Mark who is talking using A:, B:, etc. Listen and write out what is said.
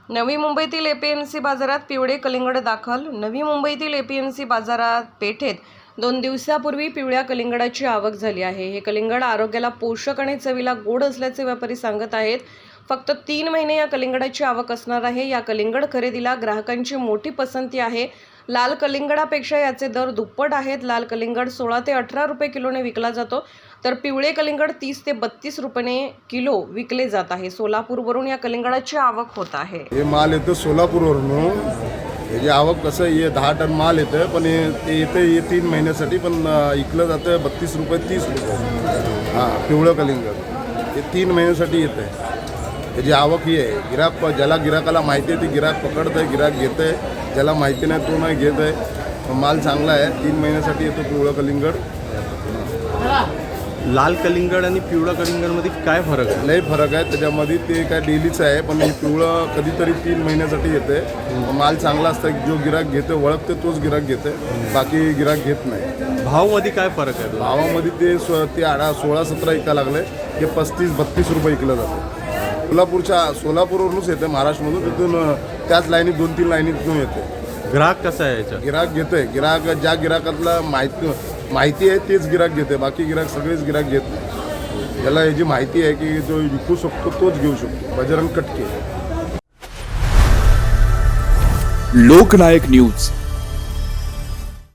A: नवी मुंबईतील एपीएमसी बाजारात पिवळे कलिंगड दाखल। नवी मुंबईतील एपीएमसी बाजारात पेठेत 2 दिवसापूर्वी पिवळ्या कलिंगडाची आवक झाली आहे। हे कलिंगड आरोग्याला पोषक आणि चवीला गोड असल्याचे व्यापारी सांगत आहेत। फक्त 3 महिने या कलिंगडाची आवक असणार आहे। या कलिंगड खरेदीला ग्राहकांची मोठी पसंती आहे। लाल कलिंगडापेक्षा याचे दर दुप्पट आहेत। लाल कलिंगड 16 ते 18 रुपये किलोने विकला जातो, तर पिवळे कलिंगड 30 ते 32 रुपये किलो विकले जात आहे। सोलापूरवरून या कलिंगडाची आवक होत आहे।
B: हे माल येतो सोलापूरवरून। याची आवक कसं आहे, 10 टन माल येतं, पण ते येते 3 महिन्यासाठी, पण विकलं जातं 32 रुपये 30 रुपये। हां, पिवळं कलिंगड हे 3 महिन्यासाठी येतं आहे। याची आवक ही आहे। गिराक ज्याला गिराकाला माहिती आहे ते गिराक पकडतं आहे, गिराक घेतं आहे, ज्याला माहिती नाही तो नाही घेत आहे। माल चांगला आहे, 3 महिन्यासाठी येतो पिवळं कलिंगड।
C: लाल कलिंगड आणि पिवळा कलिंगडमध्ये काय फरक आहे?
B: लई फरक आहे त्याच्यामध्ये। ते काय डेलीचं आहे, पण हे पिवळं कधीतरी 3 महिन्यासाठी येते। माल चांगला असतं, जो गिराक घेते ओळखते तोच गिराक घेते, बाकी गिराक घेत नाही।
C: भावामध्ये काय फरक आहे?
B: भावामध्ये ते 16-17 विका लागले, हे 35-32 रुपये विकलं जातं। सोलापूरवरूनच येते, महाराष्ट्रामधून। तिथून त्याच लाईनीत 2-3 लाईनीतून येते।
C: ग्राहक कसा आहे याच्या?
B: गिराक घेते, गिराक ज्या गिराकातला माहिती आहे तेच गिराक घेते, बाकी गिराक सगळेच गिराक घेत नाही। ज्याला याची माहिती आहे की जो विकू शकतो तोच घेऊ शकतो। बजरंग कटके,
D: लोकनायक न्यूज।